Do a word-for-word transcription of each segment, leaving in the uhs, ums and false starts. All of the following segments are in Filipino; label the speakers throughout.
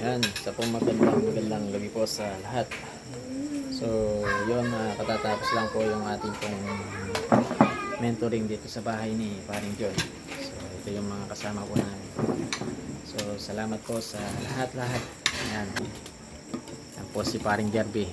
Speaker 1: Yan, sa pong magandang magandang gabi po sa lahat. So, yun, uh, katatapos lang po yung ating pong mentoring dito sa bahay ni Paring John. So, ito yung mga kasama po namin. So, salamat po sa lahat-lahat. Yan. Yan po si Paring Jerby.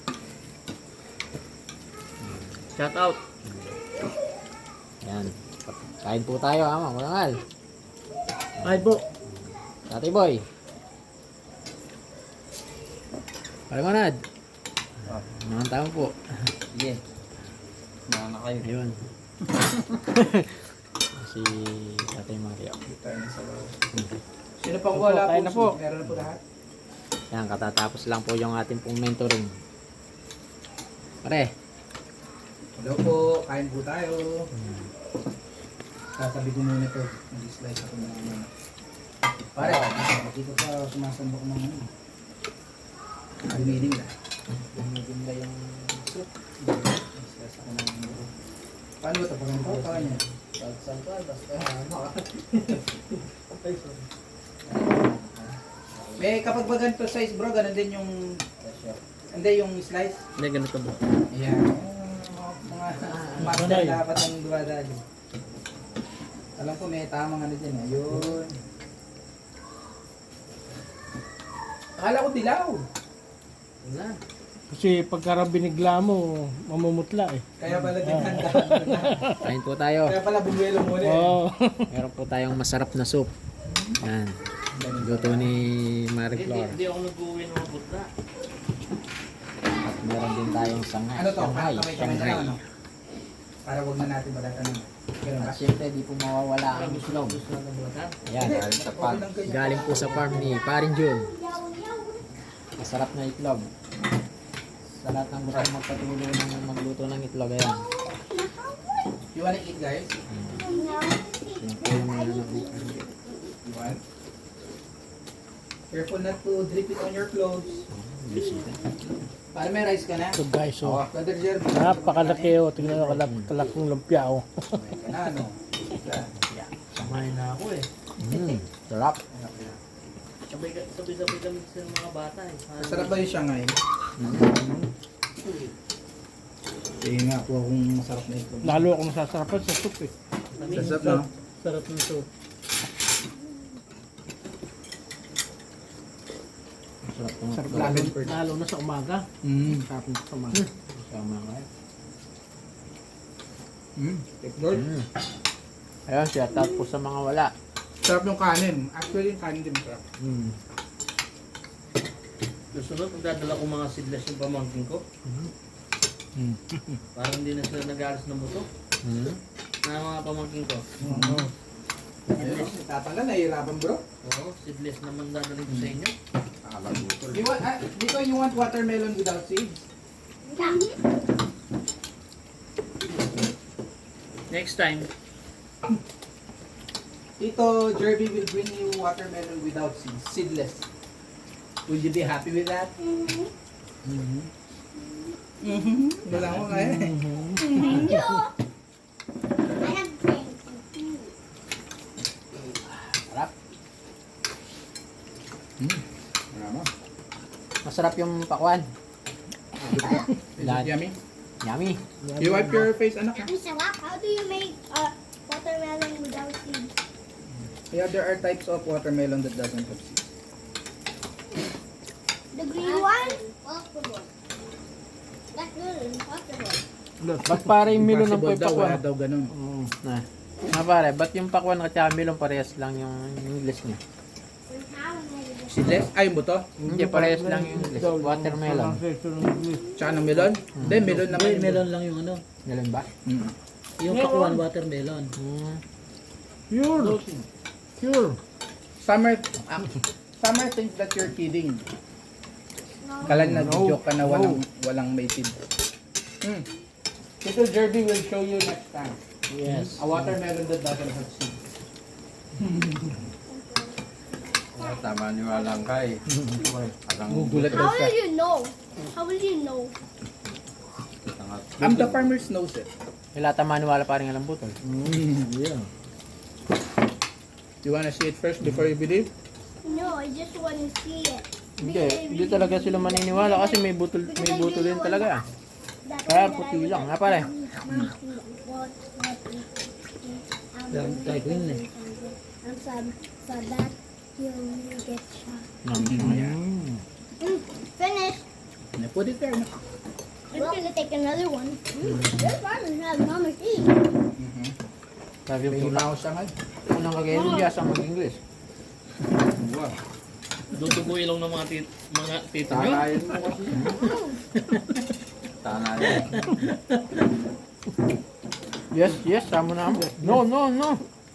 Speaker 2: Shout out.
Speaker 1: Yan. Kain po tayo, ama. Marangal.
Speaker 2: Ay po.
Speaker 1: Tatay Boy. Paring Manad.
Speaker 2: Ah.
Speaker 1: Mga tao po.
Speaker 2: Sige. Mga na kayo.
Speaker 1: Ayun. Si Tatay Mario.
Speaker 3: Sino pang wala
Speaker 2: Kain
Speaker 3: po?
Speaker 2: na po.
Speaker 3: Meron na po lahat.
Speaker 1: Yan, katatapos lang po yung ating pong mentoring. Pare.
Speaker 3: Hello po, kain po tayo. Tatabi ko muna ito. Nag-slice ako ng ano. Pare, dito pa sumasandok ng ano. Aluminium na. Aluminium na yung soup. Nag-slice ako ng ano. Paano ba ito? Paano ba ito? Paano niya? Salsal pa, basta ano. May kapag ba ganito size bro, ganun din yung hindi yung slice.
Speaker 2: Hindi, ganito ba?
Speaker 3: Ayan. Mga master dapat ang dumadali. Alam ko may tamang ano dyan. Ayun. Akala ko dilaw. Wala.
Speaker 4: Kasi pagka binigla mo, mamumutla eh.
Speaker 3: Kaya pala dinanda.
Speaker 1: Kain po tayo.
Speaker 3: Kaya pala bumuelo muna eh.
Speaker 4: Oo.
Speaker 1: Meron po tayong masarap na soup. Yan. Luto ni Marie Flor.
Speaker 2: Hindi ako nag-uwi ng mga butla.
Speaker 1: At meron din tayong sanghay.
Speaker 3: Ano to?
Speaker 1: Shanghai.
Speaker 3: Kamay kamay na
Speaker 1: Shanghai.
Speaker 3: lang ano? Para wag na natin balatan ng ganun ba?
Speaker 1: At syempre, di po mawawala ang itlog.
Speaker 2: Gusto na ng butla.
Speaker 1: Yan, galing sa farm. Galing po sa farm ni Paring Jun. Masarap na itlog. Sa lahat ng gusto magpatuloy ng magluto ng itlog, ayan.
Speaker 3: You wanna eat guys?
Speaker 1: Yan po yung mga ano.
Speaker 3: You want? Careful not to drip it on your clothes.
Speaker 1: Bisita.
Speaker 3: Para may rice ka na.
Speaker 4: So guys, so,
Speaker 3: Brother Jeremy.
Speaker 4: napakalaki oh. Tingnan mo, kalak, kalaking lumpia oh.
Speaker 3: Kumain ka na, ano?
Speaker 2: Samahin na ako eh.
Speaker 1: Mm, sarap.
Speaker 2: Sabay, sabay-sabay kami sa mga bata eh.
Speaker 3: Masarap ba yung Shanghai? Kaya nga po akong masarap na ito.
Speaker 4: Lalo akong masasarapan sa soup eh.
Speaker 3: Masarap na.
Speaker 4: Sarap ng soup.
Speaker 1: Sarap ng
Speaker 4: Sarap
Speaker 1: itlog.
Speaker 4: lalo, lalo na sa umaga.
Speaker 3: Mm.
Speaker 4: Sarap na sa umaga.
Speaker 1: Sama ka.
Speaker 3: Mm. Take Lord.
Speaker 1: Mm. Ayun, shout out po sa mga wala.
Speaker 3: Sarap yung kanin. Actually, yung kanin din masarap.
Speaker 1: Mm.
Speaker 2: Susunod, magdadala ko mga seedless yung pamangkin ko.
Speaker 1: Mm.
Speaker 2: Parang hindi na sila nag-aalas ng buto.
Speaker 1: Mm.
Speaker 2: Na mga pamangkin ko.
Speaker 3: Oo. Ayun, tatanggal, nahihirapan bro.
Speaker 2: Oo, seedless naman dadalhin ko sa inyo.
Speaker 3: You want, ah, dito you want watermelon without seeds?
Speaker 2: Next time,
Speaker 3: Tito Jerby will bring you watermelon without seeds, seedless. Will you be happy with that? Mm-hmm. Mm-hmm. Wala ko kaya eh.
Speaker 1: Sarap.
Speaker 3: Mm. Marama.
Speaker 1: Masarap yung pakwan.
Speaker 3: Is it yummy?
Speaker 1: Yummy.
Speaker 3: You wipe your face, anak.
Speaker 5: Ang sarap. How do you make uh, watermelon without seeds?
Speaker 3: Yeah, there are types of watermelon that doesn't have seeds.
Speaker 5: The green one? Possible. That's good. Impossible.
Speaker 4: Ba't para yung milon ng
Speaker 3: Impossible daw, wala
Speaker 4: pagpakwan?
Speaker 3: daw ganun.
Speaker 1: Oo. Na. Na pare, ba't yung pakwan at saka melon parehas lang yung English niya?
Speaker 3: Seedless? Ay, yung buto?
Speaker 1: Hindi, parehas lang yung English. Watermelon.
Speaker 3: Tsaka ng melon? Hindi, melon naman. yung-
Speaker 2: melon lang yung ano.
Speaker 1: Melon ba?
Speaker 3: Mm.
Speaker 2: Yung pakwan watermelon.
Speaker 1: Mm.
Speaker 4: Pure. Pure.
Speaker 3: Summer, ah, Summer thinks that you're kidding. Kala nag-joke ka na walang, walang may seed. Mm. Tito Jerby will show you next time.
Speaker 1: Yes.
Speaker 3: A watermelon that doesn't have seeds.
Speaker 6: Tama niyo lang kay. Alang
Speaker 3: Gugulat daw
Speaker 5: How
Speaker 3: siya.
Speaker 5: will you know? How will you know?
Speaker 3: I'm the farmer's knows it.
Speaker 1: Ilata maniwala pa rin alam butol.
Speaker 3: Mm, yeah. You wanna see it first before you believe?
Speaker 5: No, I just want to see it.
Speaker 1: Hindi, hindi talaga sila maniniwala kasi may butol, may butol din talaga.
Speaker 5: That
Speaker 1: Kaya
Speaker 5: one that
Speaker 1: puti
Speaker 5: I
Speaker 1: lang,
Speaker 5: was-
Speaker 1: ha pare?
Speaker 5: What, what, um,
Speaker 2: Yan, tayo ko yun eh.
Speaker 5: And so, so that you'll get shot.
Speaker 1: Mm.
Speaker 5: Mm, finish.
Speaker 3: Na put it there. No?
Speaker 5: I'm gonna take another one. Mm, this one is not mama's eat.
Speaker 3: Mm-hmm.
Speaker 1: Sabi
Speaker 3: May
Speaker 1: yung
Speaker 3: himaw siya ngayon.
Speaker 1: unang kagayon niya sa mag-English.
Speaker 3: Wow.
Speaker 2: Dutubuin lang ng mga tit mga tito nyo.
Speaker 6: Tanayin mo kasi. Tanayin.
Speaker 1: Yes, yes, sama na mo. No, no, no.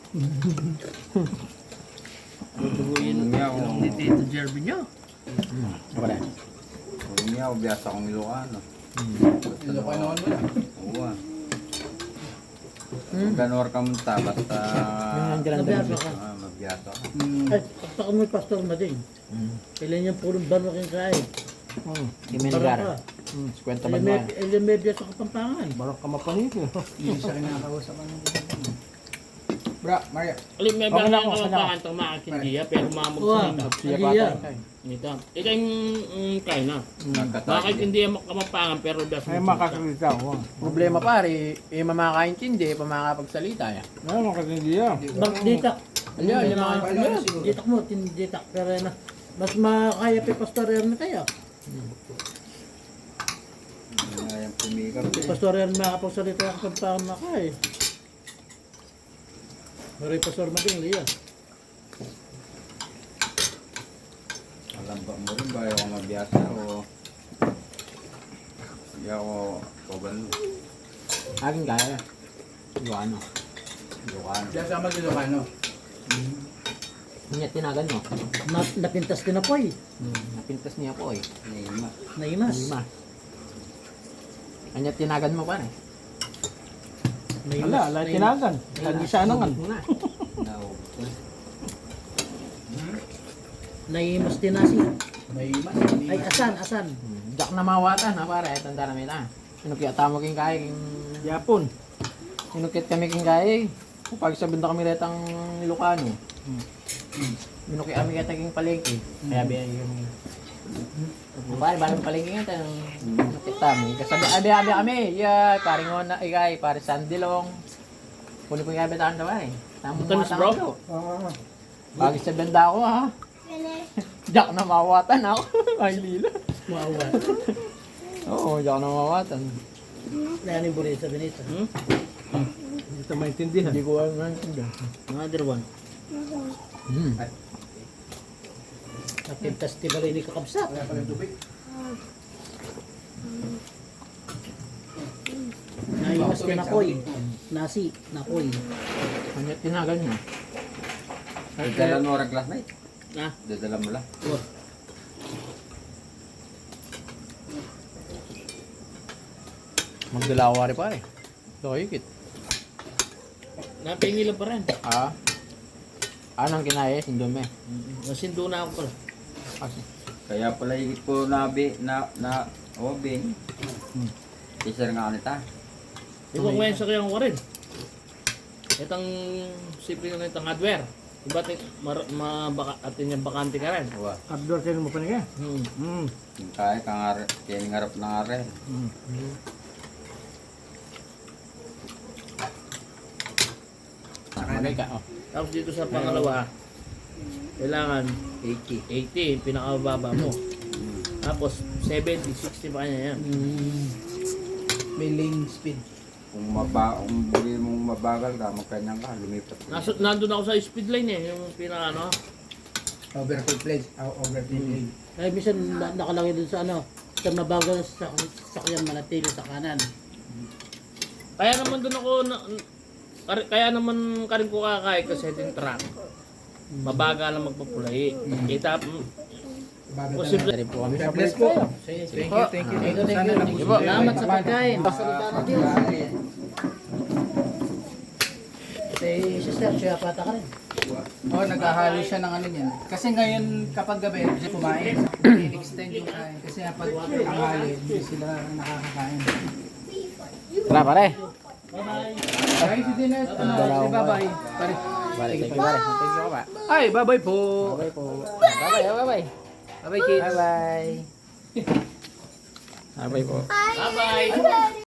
Speaker 2: Dutubuin
Speaker 6: Kung niya,
Speaker 2: lang
Speaker 6: kung,
Speaker 2: ni Tito Jerby nyo.
Speaker 1: Pare.
Speaker 6: kung niya, ubiyas akong Ilocano.
Speaker 3: Ilocano mo lang.
Speaker 6: Oo ah.
Speaker 1: Hmm.
Speaker 6: Ganor ka munta, basta
Speaker 1: Yung ang grande.
Speaker 2: Nabiyasa ka.
Speaker 6: ah, mabiyasa ka.
Speaker 3: Mm.
Speaker 4: Ay, basta ko may pastor na din.
Speaker 1: Mm.
Speaker 4: Kailan yung purong banwa kang kain.
Speaker 1: Mm. Kimengar. Mm. Kwenta ba naman?
Speaker 4: Ilan may biya sa Kapampangan.
Speaker 1: Barang ka mapanig.
Speaker 3: Hindi siya kinakausap ang Bra, Maria.
Speaker 2: Alam, may
Speaker 1: Okay
Speaker 2: mga
Speaker 1: na
Speaker 2: mga
Speaker 1: ako, okay na
Speaker 2: kapakan itong mga kindiya, pero mamag
Speaker 4: Wow.
Speaker 2: sa nito.
Speaker 1: Siya
Speaker 4: Hindi
Speaker 1: pa
Speaker 4: yan.
Speaker 1: tayo.
Speaker 2: Nito. Ikaw yung mm, kain na.
Speaker 6: Nagkatagi.
Speaker 2: Bakit hindi yan kamapangan pero das
Speaker 4: Ay, makasalita ko.
Speaker 1: Problema pare, eh mamakaintindi, eh pamakapagsalita yan.
Speaker 4: Ay, makasalita yan. Bak, ditak.
Speaker 1: Ayan, yun ang
Speaker 3: Paano na siguro?
Speaker 4: Ditak mo, tinditak. Pero na, mas makakaya pa pastor yan na tayo.
Speaker 6: Ngayon pumikap eh.
Speaker 4: Pastor yan makapagsalita ang Kapampangan na kay. Maray pastor mading liya.
Speaker 6: Alam ba mo rin ba ako mabiyasa o hindi ako koban mo.
Speaker 1: Akin kaya. Ilocano.
Speaker 6: Ilocano.
Speaker 3: Diyan sa mag-Ilocano.
Speaker 1: Kanya tinagan mo.
Speaker 4: Na, napintas din ako eh.
Speaker 1: Mm. Napintas niya po eh.
Speaker 6: Nima.
Speaker 4: Naimas.
Speaker 1: Lima. Kanya tinagan mo pare.
Speaker 4: Naimas.
Speaker 7: Wala, wala tinagan. Lagi siya nangan.
Speaker 1: Muna.
Speaker 6: Naubos ko.
Speaker 4: Naimas din nasi.
Speaker 3: May mas.
Speaker 4: Ay, asan, asan.
Speaker 1: Hmm. Jak na mawatan ha pare, tanda na mita. Sinukit tamo king kay king
Speaker 7: Yapon.
Speaker 1: sinukit kami king kay. Pag sabihin na kami retang Ilocano. Minuki kami kaya king palengke. Kaya biya yung pare balang palengke nga tan nakita mo. Kasabi abi abi kami. Yeah, pare ngo na ikay, pare Sandilong. Kuno ko gabi tahan daw eh. Tamo
Speaker 2: Matamis, bro?
Speaker 7: Ah,
Speaker 1: Bagay sa banda ko ha.
Speaker 5: Finish.
Speaker 1: Jak na mawatan ako. Ay lila.
Speaker 4: Maawa.
Speaker 1: Oo, jak na mawatan.
Speaker 4: Yan yung bulit sa Benita.
Speaker 2: Hmm?
Speaker 7: Hindi ito maintindihan.
Speaker 1: Hindi ko alam nandiyan.
Speaker 2: Another one.
Speaker 1: Hmm.
Speaker 4: Napintas di ba rin ni kakabsat?
Speaker 3: Wala pa rin tubig.
Speaker 4: Naimas din ako eh. Nasi, nakoy.
Speaker 1: Kanya tinagal niya.
Speaker 6: Dadala mo orang class night.
Speaker 2: Ah,
Speaker 6: Dadala mo lang.
Speaker 1: Magdalawa rin pare. Doikit.
Speaker 2: napingila pa rin.
Speaker 1: Ah. Anong kinaya? Sindume.
Speaker 2: Nasindo na ako pala.
Speaker 1: Kasi.
Speaker 6: Kaya pala higit ko nabi na na obin. Teacher nga nita.
Speaker 2: Di ba kuya sa kayang warin? Itang sipin na itang hardware. Diba ati mar, mabaka, atin yung bakante ka rin.
Speaker 6: Wa.
Speaker 7: Abdor kayo mo pa niya.
Speaker 2: Hmm.
Speaker 7: Hmm.
Speaker 6: Kaya kang are, kaya ngarap na are.
Speaker 1: Nakalay ka. Oh.
Speaker 2: Tapos dito sa pangalawa, kailangan
Speaker 6: eighty.
Speaker 2: eighty, pinakababa mo. Tapos seventy, sixty pa kanya yan.
Speaker 3: May lane speed.
Speaker 6: Kung maba, kung buli mong mabagal ka, magkanyang ka, lumipat ka.
Speaker 2: Naso, nandun ako sa speed line eh, yung pinaka ano.
Speaker 3: Overfill place. Oh, overfill lane.
Speaker 4: Ay, minsan na, nakalagay dun sa ano, sa mabagal sa sakyan manatili sa kanan.
Speaker 2: Kaya naman doon ako, na, kar- kaya naman karin ko kakay kasi setting track. Mabaga lang magpapulay. Kita,
Speaker 3: Bago
Speaker 2: Posible.
Speaker 1: Dari po kami sa
Speaker 3: God bless
Speaker 1: place
Speaker 3: po.
Speaker 1: kayo.
Speaker 3: Thank you, thank you.
Speaker 4: Thank you, thank
Speaker 3: Sana
Speaker 4: you.
Speaker 3: nabusog
Speaker 1: Thank you.
Speaker 3: kayo.
Speaker 4: Salamat sa pagkain. Pasalita na Diyos. Si sister, siya pata ka rin.
Speaker 3: Oh, naghahalo siya ng ano niyan. Kasi ngayon, kapag gabi, kumain. I-extend yung kain. Kasi kapag tanghali, hindi sila nakakakain.
Speaker 1: Tara pare.
Speaker 2: Bye-bye.
Speaker 3: Kain si Dinet. Ano,
Speaker 1: Dalawang
Speaker 3: say bye-bye. Pare.
Speaker 1: Bye, thank you, pare. Thank you, pa.
Speaker 3: Ay, bye-bye po.
Speaker 1: Bye po. Bye-bye, bye-bye.
Speaker 3: Bye-bye, kids.
Speaker 1: Bye-bye. Bye-bye po.
Speaker 2: Bye-bye.